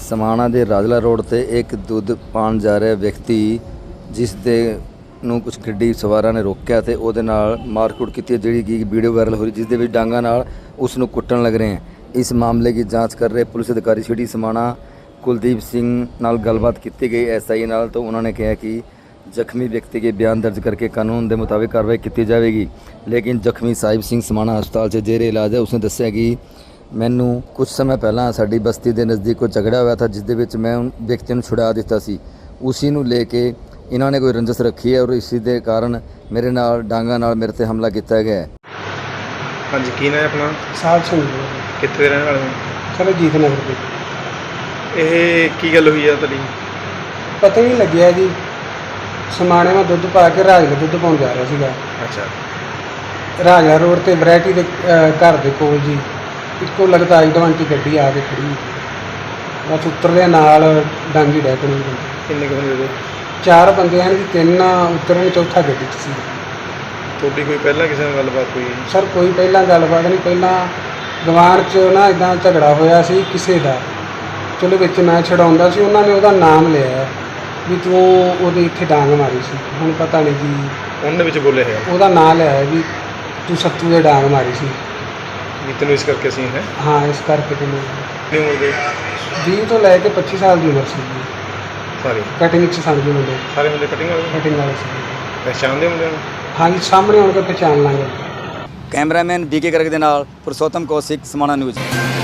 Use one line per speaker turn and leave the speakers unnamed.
समाणा ਦੇ ਰਾਜਲਾ ਰੋਡ ਤੇ ਇੱਕ ਦੁੱਧ ਪਾਣ ਜਾ ਰਿਹਾ ਵਿਅਕਤੀ ਜਿਸ ਦੇ ਨੂੰ ਕੁਝ ਗੱਡੀ ਸਵਾਰਾਂ ਨੇ ਰੋਕਿਆ ਤੇ ਉਹਦੇ ਨਾਲ ਮਾਰਕੁੱਟ ਕੀਤੀ ਜਿਹੜੀ ਕਿ ਵੀਡੀਓ ਵਾਇਰਲ ਹੋ ਰਹੀ ਜਿਸ ਦੇ ਵਿੱਚ ਡਾਂਗਾ ਨਾਲ ਉਸ ਨੂੰ ਕੁੱਟਣ ਲੱਗ ਰਹੇ ਹਨ। इस मामले की जांच कर रहे पुलिस अधिकारी सिटी समाणा कुलदीप सिंह नाल गलबात की गई SI नाल तो उन्होंने कहा कि जख्मी व्यक्ति के बयान दर्ज करके कानून के मुताबिक कार्रवाई की जाएगी। लेकिन जख्मी साहिब सिंह समाणा हस्पताल से जेरे इलाज है। उसने दस्सिया कि मैनू कुछ समय पहला साडी बस्ती के नज़दीक कोई झगड़ा हुआ था जिस दे मैं उन व्यक्ति को छुड़ा दिता सी। उसी नू लेके इन्होंने कोई रंजिश रखी है और इसी के कारण मेरे नाल डांगा नाल मेरे ते हमला किया गया है।
हाँ जी, की नाम है अपना?
साल सिंह
कितने रहने वाले हो?
सर जीत नगर पे।
ਇਹ ਕੀ ਗੱਲ ਹੋਈ ਆ ਤੁਹਾਡੀ?
पता नहीं लग्या जी, समाणे में दुध पा के राजला दुध पाउण जा रहा सीगा।
ਅੱਛਾ,
राजला रोड ते वैरायटी दे घर दे कोल जी इक्को लगता I-20 गड्डी आ के खड़ी बस उतरदे नाल डांगी डै पई।
ਕਿੰਨੇ ਕੁ ਬੰਦੇ ਦੇ?
4 बंदे हैं जी, 3 उतरन चौथा गड्डी च सी।
ਤੁਹਾਡੀ ਕੋਈ ਪਹਿਲਾਂ ਕਿਸੇ ਨਾਲ ਗੱਲਬਾਤ ਹੋਈ?
सर कोई पहला गलबात नहीं, पहला गवान च ना इदां झगड़ा होया सी किसे दा। चलो विच मैं छड़ाउंदा सी, उन्होंने ने ਉਹਦਾ नाम लिया भी तू ਉਹਦੇ ਇੱਥੇ ਡਾਂਗ ਮਾਰੀ ਸੀ। ਹੁਣ ਪਤਾ ਨਹੀਂ ਜੀ
ਉਹਨੇ ਵਿੱਚ ਬੋਲੇ ਹੈ
ਉਹਦਾ ਨਾਂ ਲਿਆ ਹੈ ਵੀ ਤੂੰ ਸੱਤੂ ਦੇ ਡਾਂਗ ਮਾਰੀ ਸੀ।
ਵੀ ਤੈਨੂੰ ਇਸ ਕਰਕੇ ਸੀ ਹੈ?
ਹਾਂ, ਇਸ ਕਰਕੇ ਤੈਨੂੰ
ਕਿਉਂ ਉਹਦੇ
20 ਤੋਂ ਲੈ ਕੇ 25 ਸਾਲ ਦੀ ਉਮਰ ਸੀ ਜੀ।
ਸਾਰੇ
ਕਟਿੰਗ 'ਚ ਸਮਝੀ ਮੁੰਡੇ,
ਸਾਰੇ ਮੁੰਡੇ ਕਟਿੰਗ ਵਾਲੇ
ਕਟਿੰਗ ਵਾਲੇ ਸੀ।
ਪਛਾਣਦੇ ਹੁੰਦੇ ਹੋ?
ਹਾਂਜੀ, ਸਾਹਮਣੇ ਆਉਣ ਕੇ ਪਛਾਣ ਲਾਂਗੇ।
कैमरामैन BK गर्ग के नाल पुरुषोत्तम कौशिक समाणा न्यूज़।